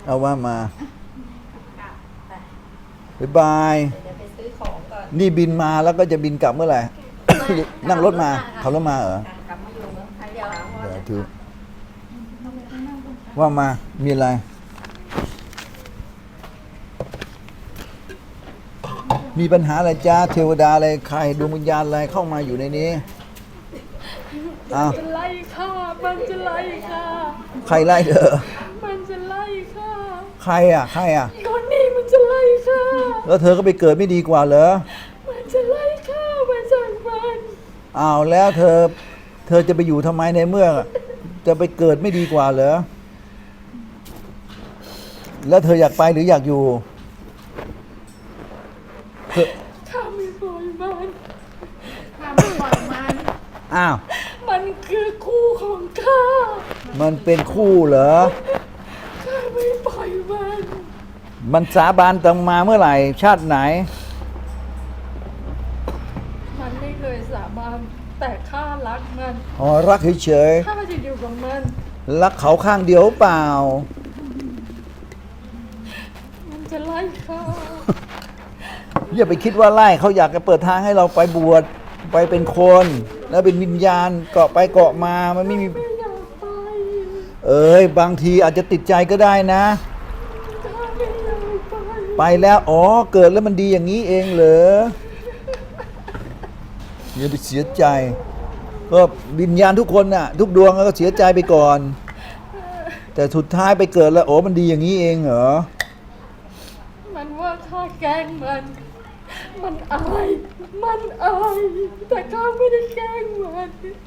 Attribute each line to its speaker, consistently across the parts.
Speaker 1: เอาว่ามา
Speaker 2: ไป
Speaker 1: บ๊ายบาย
Speaker 2: เดี๋ยวไปซื้อของก่อน
Speaker 1: นี่บินมาแล้วก็จะบินกลับเมื่อไหร่ นั่งรถมา
Speaker 2: ค่ะ
Speaker 1: ขับรถมาเหรอ
Speaker 2: ค่ะกลับมาอยู่เมืองไทยเดี๋ยว
Speaker 1: เดี๋ยวถือว่ามามีอะไร มีปัญหาอะไรจ้าเทวดาอะไรใครดวงวิญญาณอะไรเข้ามาอยู่ในนี้อ้าว
Speaker 3: จะไล่ค่ะมันจะไล่ค่ะ
Speaker 1: ใครไล่เธอ
Speaker 3: มันจะไล่ค่ะ
Speaker 1: ใครอ่ะใครอ่ะ
Speaker 3: คนนี้มันจะไล่ค่ะ
Speaker 1: แล้วเธอก็ไปเกิดไม่ดีกว่าเหรอ
Speaker 3: มันจะไล่ค่ะมันสั่งมัน
Speaker 1: อ้าวแล้วเธอจะไปอยู่ทำไมในเมื่อ จะไปเกิดไม่ดีกว่าเหรอแล้วเธออยากไปหรืออยากอยู่เธอ
Speaker 3: ข้าไม่ปล่อยมัน
Speaker 2: ข้าไม่ปล่อยมัน
Speaker 1: อ้าว
Speaker 3: มันคือคู่ของข้า
Speaker 1: มันเป็นคู่เหรอ
Speaker 3: ข้าไม่ปล่อยมัน
Speaker 1: มันสาบานตังมาเมื่อไหร่ ชาติไหน
Speaker 3: มันไม่เคยสาบานแต่ข้ารักมัน
Speaker 1: อ๋อรักเฉย
Speaker 3: ข้าจะอยู่กับมัน
Speaker 1: ๆรักเขาข้างเดียวเปล่า
Speaker 3: มันจะไล่ข้า
Speaker 1: อย่าไปคิดว่าไล่เขาอยากจะเปิดทางให้เราไปบวชไปเป็นคน แล้วเป็นวิญญาณเกาะไปเกาะมามันไม่มี
Speaker 3: ไม่อยากไป
Speaker 1: เอ้ยบางทีอาจจะติดใจก็ได้นะ
Speaker 3: ข้าไม่อยากไป
Speaker 1: ไปแล้วอ๋อเกิดแล้วมันดีอย่างนี้เองเหรออย่าไปเสียใจก็วิญญาณทุกคนน่ะ ทุกดวงก็เสียใจไปก่อน แต่สุดท้ายไปเกิดแล้วโอ้มันดีอย่างนี้เองเหรอ
Speaker 3: มันว่าข้าแกล้งมัน มันอาย มันอาย แต่ข้าไม่ได้แกล้งมัน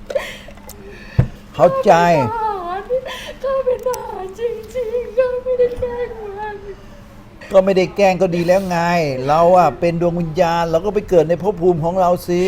Speaker 1: เข้าใจ
Speaker 3: ข้าเป็นทหารจริงๆข้าไม่ได้แกล้งมัน
Speaker 1: ก็ไม่ได้แกล้งก็ดีแล้วไง เราอะเป็นดวงวิญญาณเราก็ไปเกิดในภพภูมิของเราสิ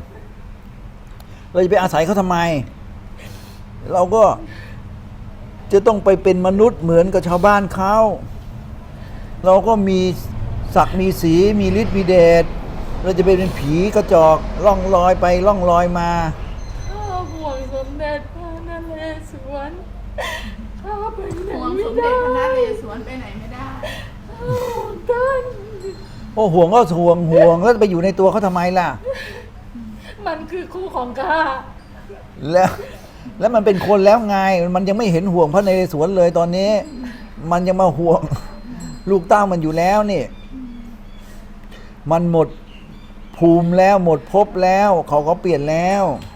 Speaker 1: เราจะไปอาศัยเขาทำไม เราก็จะต้องไปเป็นมนุษย์เหมือนกับชาวบ้านเขาเราก็มีศักดิ์มีสีมีฤทธิ์มีเดชเราจะไปเป็นผีกระจอกล่องลอยไปล่องลอยมา
Speaker 3: ข้าห่วงสมเด็จพระนเรศวรข้าไปไหน
Speaker 2: ห่วง
Speaker 3: ไม่
Speaker 2: สมเด็
Speaker 3: ได้
Speaker 2: จพระนเรศวรไปไหนไม่ได้
Speaker 3: ข้าห่วงท่าน
Speaker 1: โอ้ห่วงก็ห่วงแล้วไปอยู่ในตัวเขาทำไมล่ะ
Speaker 3: มันคือคู่ของข้า
Speaker 1: แล้วมันเป็นคนแล้วไง มันยังไม่เห็นห่วงพระนเรศวรเลยตอนนี้ มันยังมาห่วง ลูกเต้ามันอยู่แล้วนี่ มันหมดภูมิแล้วหมดภพแล้ว เขาก็เปลี่ยนแล้ว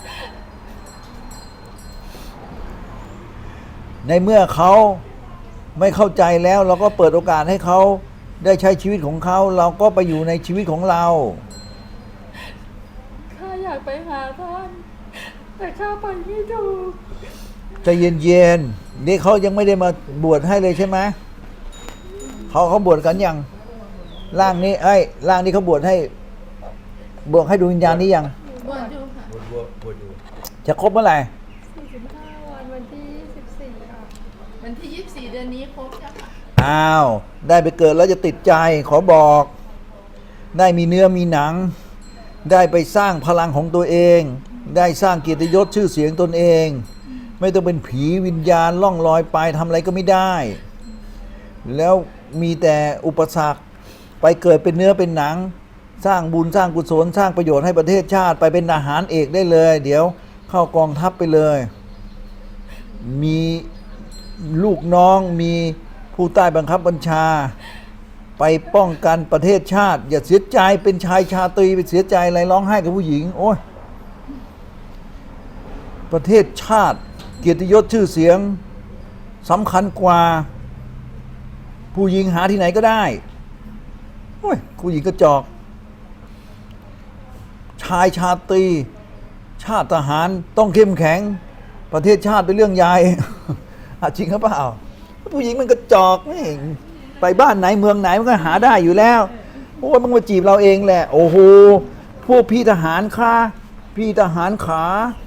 Speaker 1: ในเมื่อเขาไม่เข้าใจแล้ว เราก็เปิดโอกาสให้เขาได้ใช้ชีวิตของเขา เราก็ไปอยู่ในชีวิตของเรา
Speaker 3: ข้าอยากไปหาท่าน แต่ข้าไปไม่ถูก
Speaker 1: ใจเย็นๆนี่เขายังไม่ได้มาบวชให้เลยใช่ไหมเขาบวชกันยังร่างนี้ร่างนี้เขาบวชให้ดวงวิญญาณนี้ยัง
Speaker 2: บวชอยู่ค่ะ
Speaker 1: จะครบเมื่อไหร่
Speaker 3: 45 วันวันที่24ค่ะ
Speaker 2: วันที่ 24 เดือนนี้ครบแล้วค่ะ
Speaker 1: อ้าวได้ไปเกิดแล้วจะติดใจขอบอก ได้มีเนื้อมีหนัง ได้ไปสร้างพลังของตัวเอง ได้สร้างเกียรติยศชื่อเสียงตนเอง ไม่ต้องเป็นผีวิญญาณล่องลอยไปทำอะไรก็ไม่ได้ แล้วมีแต่อุปสรรคไปเกิดเป็นเนื้อเป็นหนัง สร้างบุญสร้างกุศลสร้างประโยชน์ให้ประเทศชาติไปเป็นทหารเอกได้เลย เดี๋ยวเข้ากองทัพไปเลย มีลูกน้องมีผู้ใต้บังคับบัญชา ไปป้องกันประเทศชาติ อย่าเสียใจเป็นชายชาตรีไปเสียใจอะไรร้องไห้กับผู้หญิง โอ้ยประเทศชาติเกียรติยศชื่อเสียงสำคัญกว่า ผู้หญิงหาที่ไหนก็ได้โอ้ยผู้หญิงกระจอก ชายชาตรีชาติทหารต้องเข้มแข็ง ประเทศชาติเป็นเรื่องใหญ่ จริงหรือเปล่าผู้หญิงมันกระจอกนี่ไปบ้านไหนเมืองไหนมันก็หาได้อยู่แล้วโอ้ยมันมาจีบเราเองแหละโอ้โหพวกพี่ทหารค่ะพี่ทหารขา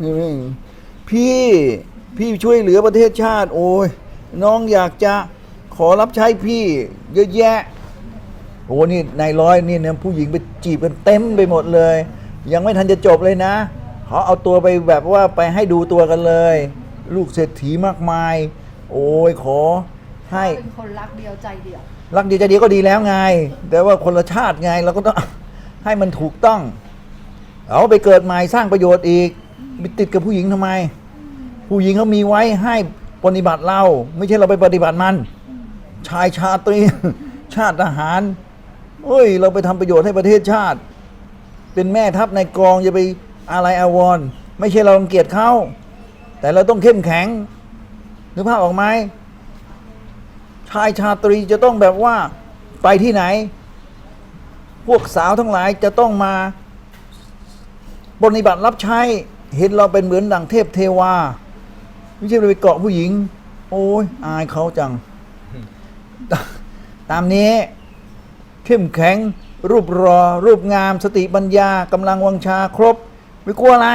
Speaker 1: พี่ช่วยเหลือประเทศชาติโอ้ยน้องอยากจะขอรับใช้พี่เยอะแยะโอ้นี่นายร้อยนี่เนี่ยผู้หญิงไปจีบกันเต็มไปหมดเลย ยังไม่ทันจะจบเลยนะเขาเอาตัวไปแบบว่าไปให้ดูตัวกันเลย ลูกเศรษฐีมากมายโอ้ยขอให้
Speaker 3: เป็นคนรักเดียวใจเดียว
Speaker 1: รักดีใจดีก็ดีแล้วไง แต่ว่าคนละชาติไงเราก็ต้อง ให้มันถูกต้อง เอาไปเกิดใหม่สร้างประโยชน์อีกไปติดกับผู้หญิงทำไม ผู้หญิงเขามีไว้ให้ปฏิบัติเรา ไม่ใช่เราไปปฏิบัติมัน ชายชาตรี ชาติทหารเอ้ย เราไปทำประโยชน์ให้ประเทศชาติ เป็นแม่ทัพในกองอย่าไปอะไรอาวรณ์ไม่ใช่เรารังเกียจเขาแต่เราต้องเข้มแข็งนึกภาพออกไหมชายชาตรีจะต้องแบบว่าไปที่ไหน พวกสาวทั้งหลายจะต้องมาปฏิบัติรับใช้เห็นเราเป็นเหมือนดั่งเทพเทวาไม่ใช่ไปเกาะผู้หญิง โอ้ยอายเขาจัง ตามนี้เข้มแข็งรูปรอรูปงามสติปัญญากำลังวังชาครบ ไม่กลัวอะไร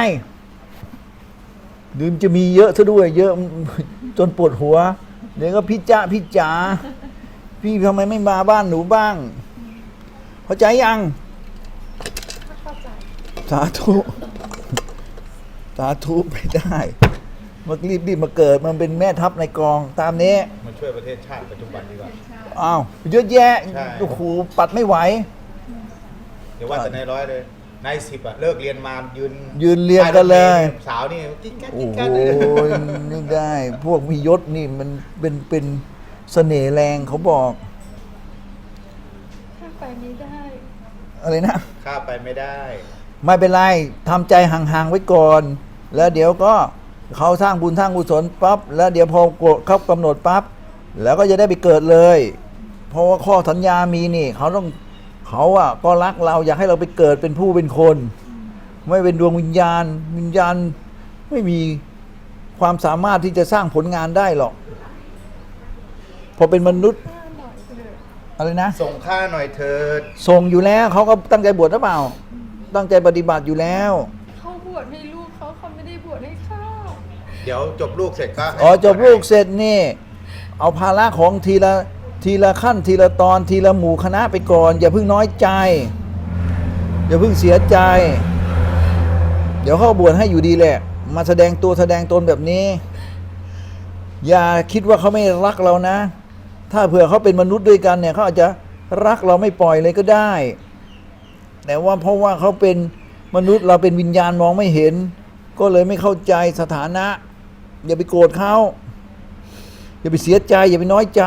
Speaker 1: ดื่มจะมีเยอะซะด้วย เยอะจนปวดหัว เดี๋ยวก็พี่จ๋าพี่ทำไมไม่มาบ้านหนูบ้างเข้าใจยัง
Speaker 3: เข้าใจ
Speaker 1: สาธุสาธุไปได้มารีบมาเกิดมันเป็นแม่ทัพในกองตามนี้
Speaker 4: มาช่วยประเทศชาติปัจจุบันดีกว่า
Speaker 1: อ้าวเยอะแยะ
Speaker 4: ใช่
Speaker 1: โอ้โหปัดไม่ไหว
Speaker 4: เดี๋ยวว่าแต่นายร้อยเลยนาย10อะเลิกเรียนมา
Speaker 1: ยืนเรียงกันเลย
Speaker 4: สาวนี่กิ๊กกัก
Speaker 1: โอ้
Speaker 4: กิ๊ก
Speaker 1: โห
Speaker 4: กักเลย
Speaker 1: นี่ได้ พวกมียศนี่มันเป็นเสน่ห์แรงเขาบอก
Speaker 3: ถ้าไปไม่ได้
Speaker 1: อะไรนะ
Speaker 4: ข้าไปไม่ได้
Speaker 1: ไม่เป็นไรทำใจห่างๆไว้ก่อน แล้วเดี๋ยวก็เขาสร้างบุญสร้างกุศลปั๊บแล้วเดี๋ยวพอเขากำหนดปั๊บแล้วก็จะได้ไปเกิดเลย เพราะว่าข้อสัญญามีนี่เขาอ่ะก็รักเราอยากให้เราไปเกิดเป็นผู้เป็นคน ไม่เป็นดวงวิญญาณไม่มีความสามารถที่จะสร้างผลงานได้หรอกพอเป็นมนุษย์
Speaker 3: ข้าหน่อยเถอะ
Speaker 1: อะไรนะ
Speaker 4: ส่งข้าหน่อยเถิด
Speaker 1: ส่งอยู่แล้วเขาก็ตั้งใจบวชหรือเปล่า ตั้งใจปฏิบัติอยู่แล้ว
Speaker 3: เขาบวชให้ลูกเขาไม่ได้บวชให้ข้า
Speaker 4: เดี๋ยวจบลูกเสร็จก็ให้
Speaker 1: อ๋อจบลูกเสร็จนี่ เอาภาระของทีละขั้นทีละตอนทีละหมู่คณะไปก่อน อย่าเพิ่งน้อยใจ อย่าเพิ่งเสียใจ เดี๋ยวเขาบวชให้อยู่ดีแหละ มาแสดงตัวแสดงตนแบบนี้ อย่าคิดว่าเขาไม่รักเรานะ ถ้าเผื่อเขาเป็นมนุษย์ด้วยกันเนี่ยเขาอาจจะรักเราไม่ปล่อยเลยก็ได้ แต่ว่าเพราะว่าเขาเป็นมนุษย์เราเป็นวิญญาณมองไม่เห็น ก็เลยไม่เข้าใจสถานะ อย่าไปโกรธเขาอย่าไปเสียใจ อย่าไปน้อยใจ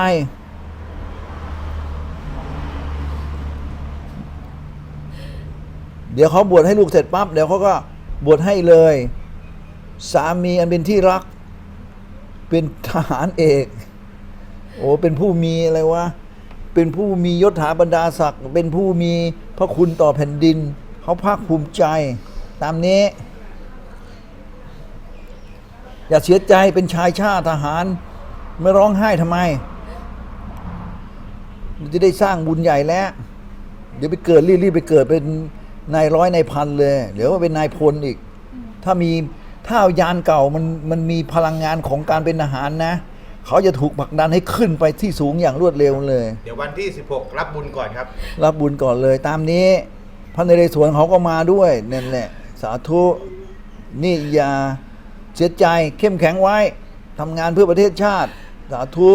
Speaker 1: เดี๋ยวเขาบวชให้ลูกเสร็จปั๊บเดี๋ยวเขาก็บวชให้เลย สามีอันเป็นที่รัก เป็นทหารเอก โอ้เป็นผู้มีอะไรวะเป็นผู้มียศถาบรรดาศักดิ์เป็นผู้มีพระคุณต่อแผ่นดินเขาภาคภูมิใจ ตามนี้ อย่าเสียใจเป็นชายชาติทหาร ไม่ร้องไห้ทำไมมันจะได้สร้างบุญใหญ่แล้ว เดี๋ยวไปเกิดรีบไปเกิดเป็นนายร้อยนายพันเลย เดี๋ยวว่าเป็นนายพลอีก ถ้ายานเก่ามันมีพลังงานของการเป็นทหารนะ เขาจะถูกผลักดันให้ขึ้นไปที่สูงอย่างรวดเร็วเลย
Speaker 4: เดี๋ยววันที่16รับบุญก่อนครับ
Speaker 1: รับบุญก่อนเลย ตามนี้พระนเรศวรเขาก็มาด้วยนั่นแหละ สาธุนี่อย่าเสียใจเข้มแข็งไว้ทำงานเพื่อประเทศชาติ สาธุ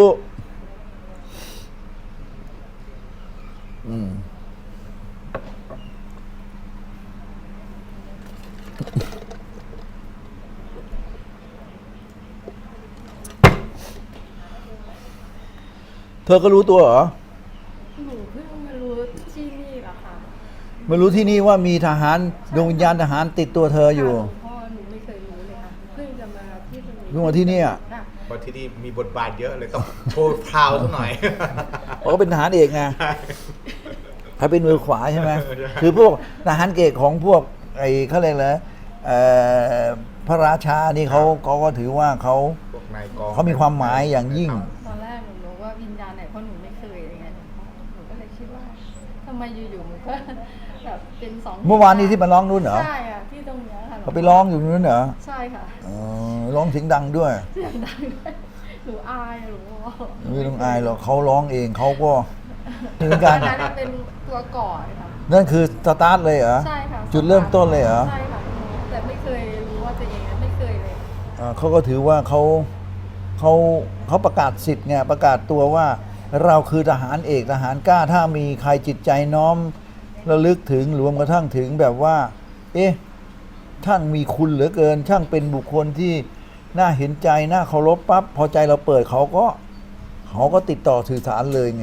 Speaker 1: เธอก็รู้ตัวเหรอ
Speaker 3: หนูเพิ่งมารู้ที่นี่แหละค่ะ
Speaker 1: ไม่รู้ที่นี่ว่ามีทหารดวงวิญญาณทหารติดตัวเธออยู่
Speaker 3: ค่ะหลวงพ่อหนูไม่เคยรู้เลยค่ะเพิ่งจะมาที่ตรงนี้
Speaker 1: เพิ่งมาที่เนี่ย
Speaker 3: ค่ะ
Speaker 4: เพราะที่นี่มีบทบาทเยอะเลยต้องโชว์พราวสักหน่อย
Speaker 1: เขาก็เป็นทหารเอกไงเขาเป็นมือขวาใช่ไหม
Speaker 4: ใช่
Speaker 1: คือพวกทหารเอกของพวกไอ้เขาเรียกอะไรพระราชานี่เขาก็ถือว่าเขา
Speaker 4: พวกนายกอง
Speaker 1: เขามีความหมายอย่างยิ่ง
Speaker 3: ตอนแรกหนูรู้ว่าวิญญาณไหนเพราะหนูไม่เคยอะไรเงี้ยหลวงพ่อหนูก็เลยคิดว่าทำไมอยู่ๆมันก็แบบเป็นสอง
Speaker 1: เมื่อวานนี้ที่มาร้องนู่นเหรอ
Speaker 3: ใช่ค่ะที่ตรงเนี้ยค่ะหลวงพ่
Speaker 1: เขาไปร้องอยู่นู่นเหรอ
Speaker 3: ใช่ค่ะ
Speaker 1: อ๋อร้องเสียงดังด้วย
Speaker 3: เสียงดังด้วยหนูอายหลวงพ่อ
Speaker 1: ไม่ต้องอายหรอกเขาร้องเองเขาก็เหมือนกัน
Speaker 3: อันนั้นเป็นตัวก่อนค่ะ
Speaker 1: นั่นคือสตาร์ทเลยเหรอ
Speaker 3: ใช่ค่ะ
Speaker 1: จุดเริ่มต้นเลยเหรอ
Speaker 3: ใช่ค่ะแต่ไม่เคยรู้ว่าตัวเองไม่เคยเลย
Speaker 1: เขาก็ถือว่าเขาเขาประกาศสิทธิ์ไงประกาศตัวว่าเราคือทหารเอกทหารกล้าถ้ามีใครจิตใจน้อมระลึกถึงรวมกระทั่งถึงแบบว่า เอ๊ะช่างมีคุณเหลือเกิน ช่างเป็นบุคคลที่น่าเห็นใจน่าเคารพปั๊บพอใจเราเปิดเขาก็ติดต่อสื่อสารเลยไง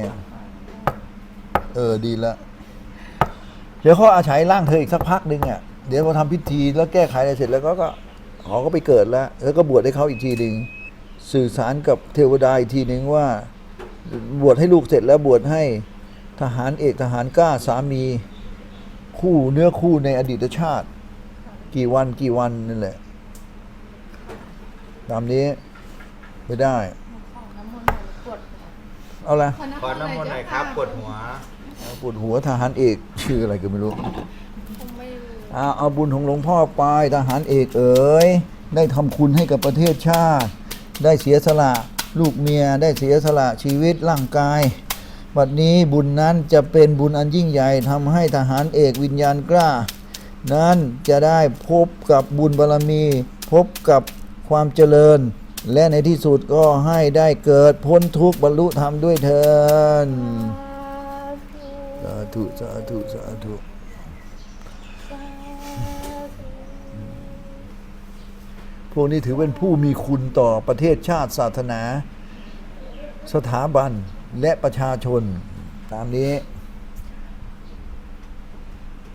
Speaker 1: ดีละเดี๋ยวเขาอาศัยร่างเธออีกสักพักหนึ่งอ่ะเดี๋ยวพอทำพิธีแล้วแก้ไขอะไรเสร็จแล้วก็เขาก็ไปเกิดแล้วก็บวชให้เขาอีกทีหนึ่งสื่อสารกับเทวดาอีกทีหนึ่งว่าบวชให้ลูกเสร็จแล้วบวชให้ทหารเอกทหารกล้าสามีคู่เนื้อคู่ในอดีตชาติกี่วันนั่นแหละตามนี้ไม่ได้
Speaker 3: ขอน้ำมนต์หน่อยปวด
Speaker 1: เอาละ
Speaker 4: ขอน้ำมนต์หน่อยครับปวดหัว
Speaker 1: ปวดหัวทหารเอกชื่ออะไรก็ไม่รู้
Speaker 3: คงไม่รู้
Speaker 1: เอาบุญของหลวงพ่อไปทหารเอกเอ๋ยได้ทำคุณให้กับประเทศชาติ ได้เสียสละลูกเมียได้เสียสละชีวิตร่างกายวันนี้บุญนั้นจะเป็นบุญอันยิ่งใหญ่ทำให้ทหารเอกวิญญาณกล้า นั้นจะได้พบกับบุญบารมี พบกับความเจริญ และในที่สุดก็ให้ได้เกิดพ้นทุกข์บรรลุธรรมด้วยเถิดสาธุสาธุสาธุพวกนี้ถือเป็นผู้มีคุณต่อประเทศชาติศาสนา สถาบันและประชาชนตามนี้